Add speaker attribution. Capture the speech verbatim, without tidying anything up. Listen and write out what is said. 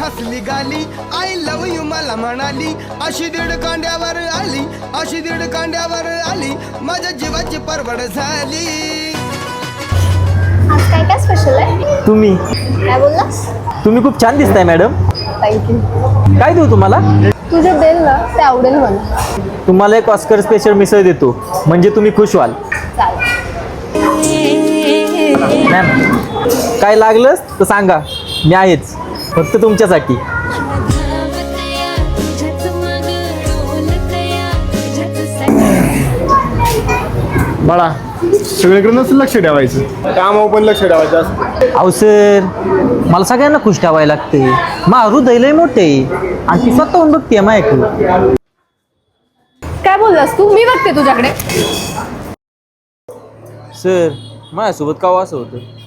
Speaker 1: बसली गाली, I love you मला म्हणाली, अशी दीड कांड्यावर आली, अशी दीड कांड्यावर आली, माझ्या जीवाची परवड झाली.
Speaker 2: आज काय काय स्पेशल आहे?
Speaker 3: तुम्ही
Speaker 2: काय बोललास?
Speaker 3: तुम्ही खूप छान दिसताय मॅडम.
Speaker 2: थँक्यू.
Speaker 3: काय देऊ तुम्हाला?
Speaker 2: तुझे देल ना ते आवडेल मला.
Speaker 3: तुम्हाला एक ऑस्कर स्पेशल मिसळ देतो, म्हणजे तुम्ही खुश व्हाल.
Speaker 2: चालेल.
Speaker 3: मॅम काय लागलंच तर सांगा, मी आहेच फक्त तुमच्यासाठी.
Speaker 4: बाळा सगळीकडे नसेल लक्ष ठेवायचं, कामावर पण लक्ष ठेवायचं असतं.
Speaker 3: अहो सर, मला सगळ्यांना खुश ठेवायला लागते. मा हृदय लय मोठे आहे आणि ती स्वतःहून बघते माझ्याकडे.
Speaker 2: काय बोललास तू? मी बघते तुझ्याकडे.
Speaker 3: सर माझ्यासोबत का असं होतं?